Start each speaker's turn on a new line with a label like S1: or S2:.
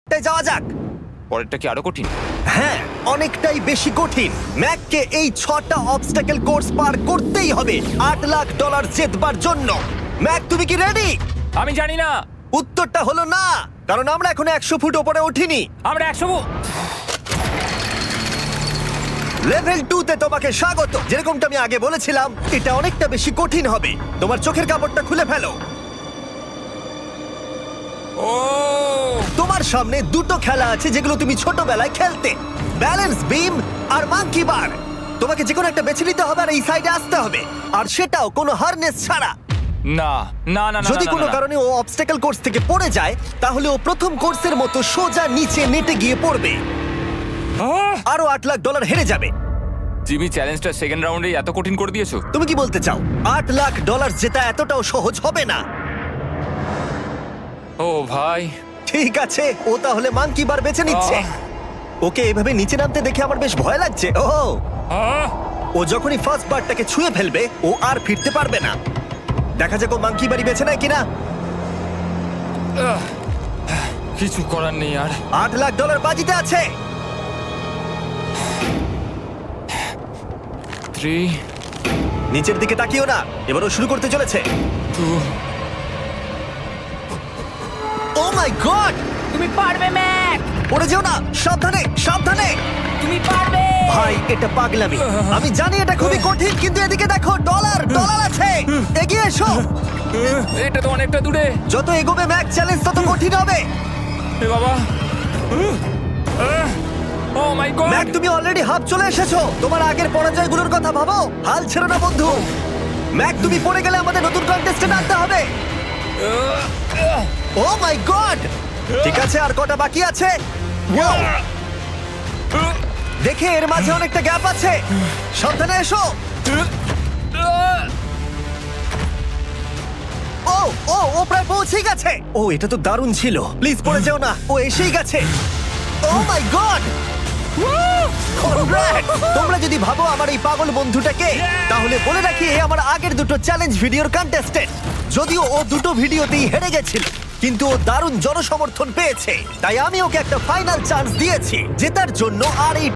S1: পরেরটায় যাওয়া যাক।
S2: পরেরটা কি আরো কঠিন?
S1: হ্যাঁ, অনেকটাই বেশি কঠিন। ম্যাককে এই 6টা অবস্টাকেল কোর্স পার করতেই হবে $8 লাখ জেতবার জন্য। ম্যাক, তুমি কি রেডি?
S2: আমি জানি না।
S1: উত্তরটা হলো না, কারণ আমরা এখনো 100 ফুট ওপরে উঠিনি।
S2: আমরা 100
S1: লেভেল 2 তে তোমাকে স্বাগত। যেরকমটা আমি আগে বলেছিলাম, এটা অনেকটা বেশি কঠিন হবে। তোমার চোখের কাপড়টা খুলে ফেলো।
S2: ও
S1: তোমার সামনে দুটো খেলা আছে যেগুলো তুমি ছোটবেলায় খেলতে, ব্যালেন্স বিম আর মাঙ্কি বার। তোমাকে যে কোনো একটা বেছে নিতে হবে আর এই সাইডে আসতে হবে, আর সেটাও কোনো হারনেস ছাড়া।
S2: না না না না,
S1: যদি
S2: না,
S1: কোনো
S2: না, না।
S1: কারণে ও অবস্টাকেল কোর্স থেকে পড়ে যায়, তাহলে ও প্রথম কোর্সের মতো সোজা নিচে নেটে গিয়ে পড়বে,
S2: আহ!
S1: আরো $8 লাখ হেরে যাবে।
S2: জিমি, চ্যালেঞ্জটা সেকেন্ড রাউন্ডে এত কঠিন করে দিয়েছো।
S1: তুমি কি বলতে চাও $8 লাখ জেতা এতটাও সহজ হবে না?
S2: ও ভাই,
S1: ঠিক আছে, ও তাহলে মাঙ্কি বার বেছে নিচ্ছে। ওকে এভাবে নিচে নামতে দেখে আমার বেশ ভয় লাগছে।
S2: আহ!
S1: ও যখনই ফার্স্ট বারটাকে ছুঁয়ে ফেলবে, ও আর ফিরতে পারবে না। দেখা যাক ও মাঙ্কি বাড়ি বেছে নেয় কিনা।
S2: আহ! কিছু করার নেই আর।
S1: $8 লাখ বাজিতে আছে।
S2: 3
S1: নিচের দিকে তাকিও না, এবার ও শুরু করতে চলেছে।
S2: 2
S1: ও মাই গড!
S3: তুমি পারবে ম্যাক,
S1: পড়ে যেও না, সাবধানে সাবধানে।
S3: তুমি পারবে।
S1: ভাই, এটা পাগলামি। আমি জানি এটা খুবই কঠিন, কিন্তু এদিকে দেখো, ডলার আছে। এগিয়ে এসো।
S2: এটা তো অনেকটা দূরে।
S1: যত এগোবে ম্যাক চ্যালেঞ্জ তত কঠিন হবে।
S2: এ বাবা, ও মাই গড।
S1: ম্যাক, তুমি অলরেডি হাফ চলে এসেছো। তোমার আগের পরাজয়গুলোর কথা ভাবো। হাল ছেড়ো না বন্ধু। ম্যাক, তুমি পড়ে গেলে আমাদের নতুন কন্টেস্টেন্ট আনতে হবে। Oh my God! ঠিক আছে, আর কটা বাকি আছে? Wow! দেখে এর মাঝে অনেকটা গ্যাপ আছে। সাবধানে এসো। ও ও ও প্রায় পৌঁছেই গেছে। ও, এটা তো দারুণ ছিল। প্লিজ পড়ে যেও না, ও এসেই গেছে। Oh my God! তোমরা যদি ভাবো আমার এই পাগল বন্ধুটাকে, তাহলে বলে রাখি এ আমার আগের দুটো চ্যালেঞ্জ ভিডিওর কন্টেস্টেন্ট। যদিও ও দুটো ভিডিওতেই হেরে গেছিল, কিন্তু ও দারুণ জনসমর্থন পেয়েছে, তাই আমি ওকে একটা ফাইনাল চান্স দিয়েছি জেতার জন্য। আর এই